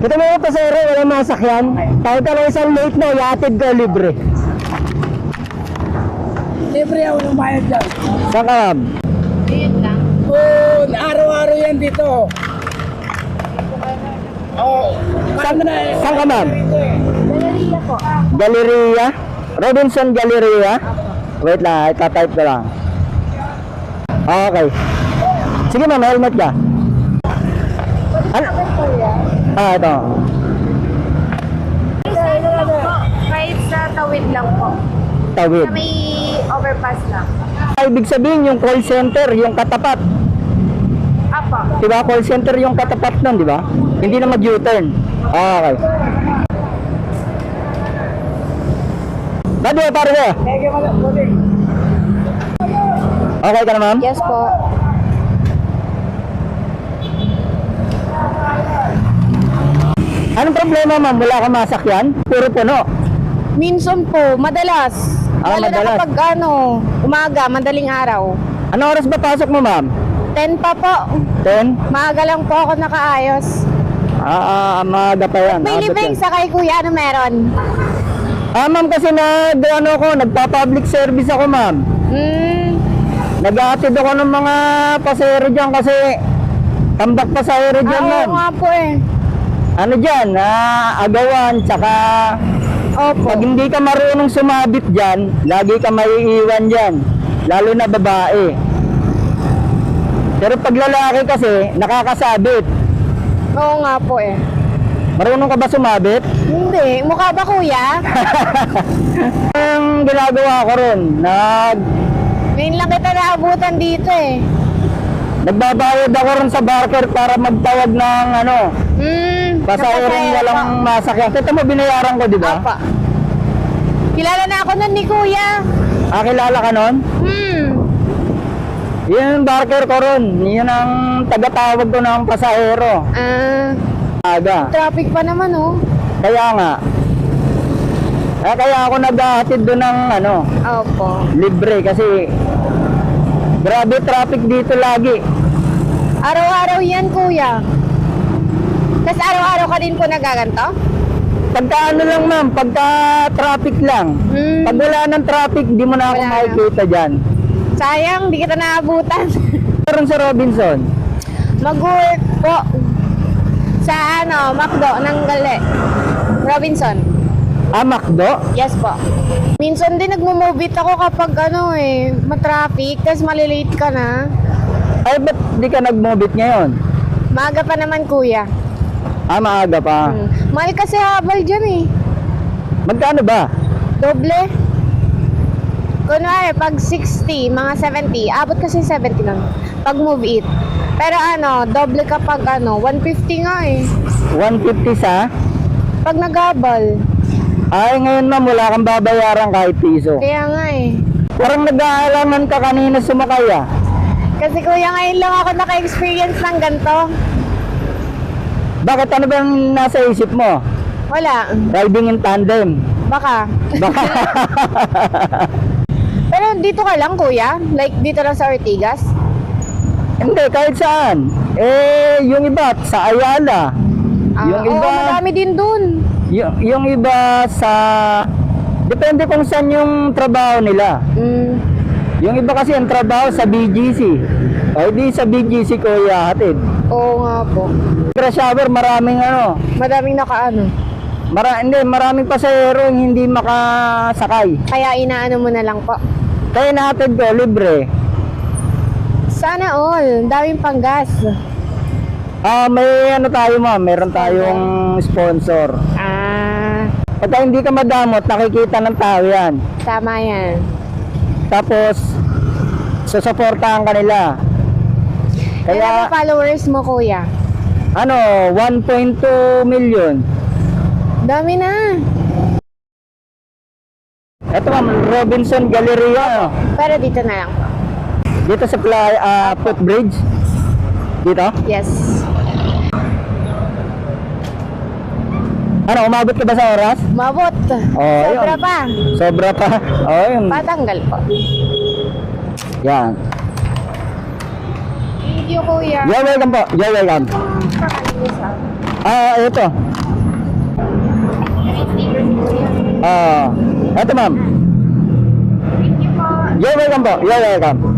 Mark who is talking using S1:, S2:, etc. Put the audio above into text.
S1: Ito mga pasero, walang masakyan. Kahit ka lang isang late na, iatid ka libre.
S2: Libre ako ng bayad dyan.
S1: Saan ka, ma'am?
S3: Ayun lang.
S2: Oo, araw-araw yan dito. Oo.
S1: Saan ka, ma'am?
S3: Galleria po.
S1: Galleria? Robinson Galleria? Wait lang, itatype ko lang. Okay. Sige ma'am, helmet ka. Ano? Ito.
S3: Kahit sa tawid lang po.
S1: Tawid.
S3: Sa may overpass lang.
S1: Ibig sabihin yung call center, yung katapat.
S3: Apo.
S1: Diba? Call center yung katapat nun, di ba? Hindi na mag-U-turn. Okay. Bado, pare ko. Okay ka na, ma'am?
S3: Yes po.
S1: Anong problema, ma'am? Wala kang masakyan? Puro puno.
S3: Minsan po, madalas.
S1: Ah,
S3: Lalo
S1: madalas.
S3: na kapag umaga, madaling araw.
S1: Anong oras ba pasok mo, ma'am?
S3: 10 pa po.
S1: 10?
S3: Maaga lang po ako nakaayos.
S1: Maaga pa yan.
S3: May
S1: Abot
S3: libing
S1: yan.
S3: sa kay kuya, ano meron?
S1: Ma'am, kasi nagpa-public service ako, ma'am. Nag-aatid ako ng mga pasahero dyan kasi tambak pasahero dyan, ma'am.
S3: Oo nga po eh.
S1: Ano dyan, agawan, tsaka
S3: Opo.
S1: pag hindi ka marunong sumabit dyan, lagi ka maiiwan dyan. Lalo na babae. Pero pag lalaki kasi, nakakasabit.
S3: Oo nga po eh.
S1: Marunong ka ba sumabit?
S3: Hindi. Mukha ba kuya?
S1: Ang ginagawa ko ron,
S3: Ngayon lang kita naabutan dito eh.
S1: nagbabayad ako ron sa barker para magtawag ng pasaherong walang masakyan. Ito mo, binayaran ko, di ba?
S3: Apa. Kilala na ako nun ni kuya.
S1: Kilala ka nun? Yun ang barker ko ron. Yun ang tagatawag ko ng pasahero. Aga.
S3: Traffic pa naman oh.
S1: Kaya nga. Kaya ako naghahatid doon ng
S3: Opo.
S1: libre kasi grabe traffic dito lagi.
S3: Araw-araw yan kuya. Kasi araw-araw ka din po nagaganto?
S1: Pagka lang ma'am, pagka traffic lang. Pag wala ng traffic, di mo na ako
S3: Wala na.
S1: makikita dyan.
S3: Sayang, di kita naabutan.
S1: Meron sa Robinson.
S3: Mag-work po sa McDo ng Robinson.
S1: Macdo?
S3: Yes po. Minsan din nagmo-move it ako kapag matraffic, tapos malilate ka na.
S1: Ay, ba't di ka nag-mobit ngayon?
S3: Maaga pa naman kuya.
S1: Maaga pa.
S3: Mahal kasi habal dyan eh.
S1: Magkano ba?
S3: Doble. Kunwari, pag 60, mga 70, abot kasi 70 lang. Pag move it. Pero doble kapag 150 nga eh.
S1: 150 sa?
S3: Pag naghabal.
S1: Ay, ngayon ma'am, wala kang babayaran kahit piso.
S3: Kaya nga eh.
S1: Parang nag-aalangan ka kanina sumakay ah.
S3: Kasi kuya, ngayon lang ako naka-experience ng ganito.
S1: Bakit ano bang nasa isip mo?
S3: Wala.
S1: Riding in tandem.
S3: Baka.
S1: Baka.
S3: Pero dito ka lang kuya? Like dito lang sa Ortigas?
S1: Hindi, kahit saan. Yung iba sa Ayala. Yung
S3: Oo,
S1: iba,
S3: marami din dun.
S1: yung iba sa... Depende kung saan yung trabaho nila. Yung iba kasi ang trabaho sa BGC. O di sa BGC ko ihahatid.
S3: Oo nga po.
S1: Crash hour, maraming
S3: Madaming nakaano.
S1: maraming pasahero yung hindi makasakay.
S3: Kaya inaano mo na lang po.
S1: Kaya nahatid ko, libre.
S3: Sana all. Daming panggas.
S1: May tayo ma'am, meron tayong sponsor. Pagka hindi ka madamot, nakikita ng tao yan.
S3: Tama yan.
S1: Tapos, susuportahan ka nila.
S3: Kaya followers mo kuya?
S1: 1.2 million.
S3: Dami na.
S1: Ito ma'am, Robinson Galleria.
S3: Pero dito na lang po.
S1: Dito sa footbridge. Dito?
S3: Yes.
S1: Umabot ka ba sa oras?
S3: Mabot. Sobra
S1: yun.
S3: pa.
S1: Sobra pa. Yun.
S3: Patanggal po.
S1: Yan.
S3: Thank you kuya.
S1: You're welcome po. You're welcome.
S3: Pakalinis
S1: Ito. Ito ma'am.
S3: Thank you po.
S1: You're welcome po. You're welcome.